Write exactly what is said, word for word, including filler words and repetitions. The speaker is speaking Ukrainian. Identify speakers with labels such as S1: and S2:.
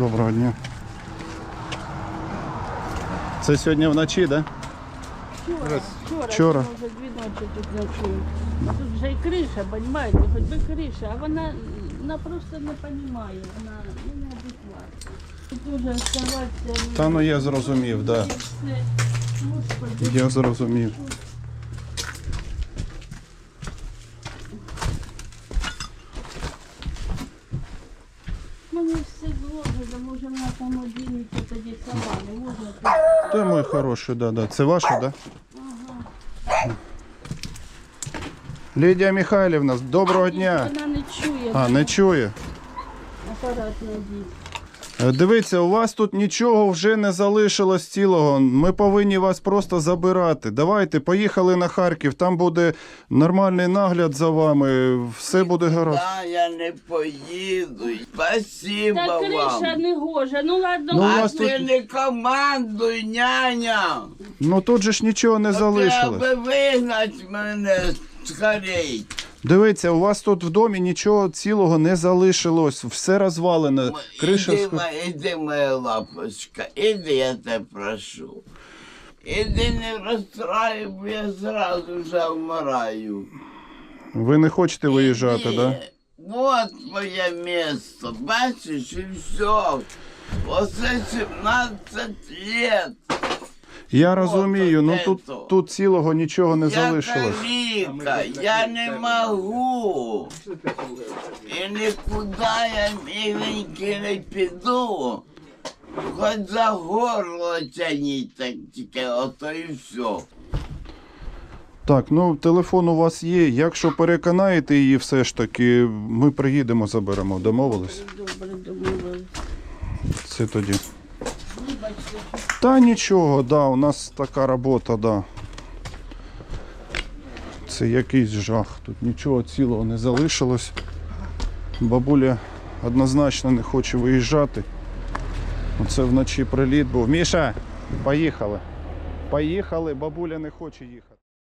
S1: Доброго дня. Це сьогодні вночі, так? Да?
S2: Вчора, вчора,
S1: Вчора.
S2: вже дві ночі тут ночую. А тут вже і криша, розумієте, хоч би криша, а вона, вона просто не розуміє, вона ну, неадекватна. Тут уже оставатися...
S1: Та ну я зрозумів, так. Да.
S2: Господи.
S1: Я зрозумів.
S2: Мені все зложено, може вона там одінеться тоді сама, не можна тут.
S1: Та мой хороший, да, да. Це ваше, так? Да?
S2: Ага.
S1: Лідія Михайлівна, доброго дня.
S2: Вона не чує,
S1: А, не чує.
S2: апарат надіть.
S1: Е, Дивіться, у вас тут нічого вже не залишилось цілого. Ми повинні вас просто забирати. Давайте, поїхали на Харків, там буде нормальний нагляд за вами, все буде гаразд.
S3: Да, я не поїду. Спасибо
S2: Та криша
S3: вам.
S2: не гоже, ну ладно.
S1: Ну, у
S3: А
S1: вас
S3: ти
S1: тут-
S3: не командуй, няня.
S1: Ну тут же ж нічого не залишилось.
S3: Треба вигнати мене скорей.
S1: Дивіться, у вас тут в домі нічого цілого не залишилось, все розвалене. Криша...
S3: Іди,
S1: ск-
S3: ма- іди, моя лапочка, іди, я тебе прошу. Іди, не розстраюй, бо я зразу вже вмираю.
S1: Ви не хочете виїжджати, так?
S3: Іди.
S1: Да?
S3: Вот моє місто, бачиш, і все. Оце сімнадцять лет.
S1: Я розумію, ну
S3: от
S1: тут,
S3: ето.
S1: тут цілого нічого не
S3: Я
S1: залишилось.
S3: каліка, я не можу. І нікуди я міленький не піду. Хоч за горло тяніть, так тільки ото і все.
S1: Так, ну телефон у вас є. Якщо переконаєте її все ж таки, ми приїдемо, заберемо. Домовились?
S2: Добре, домовились.
S1: Це тоді.
S2: Вибачте, що
S1: Та нічого, да, у нас така робота, да. Це якийсь жах. Тут нічого цілого не залишилось. Бабуля однозначно не хоче виїжджати. Оце вночі приліт був. Міша, поїхали. Поїхали, бабуля не хоче їхати.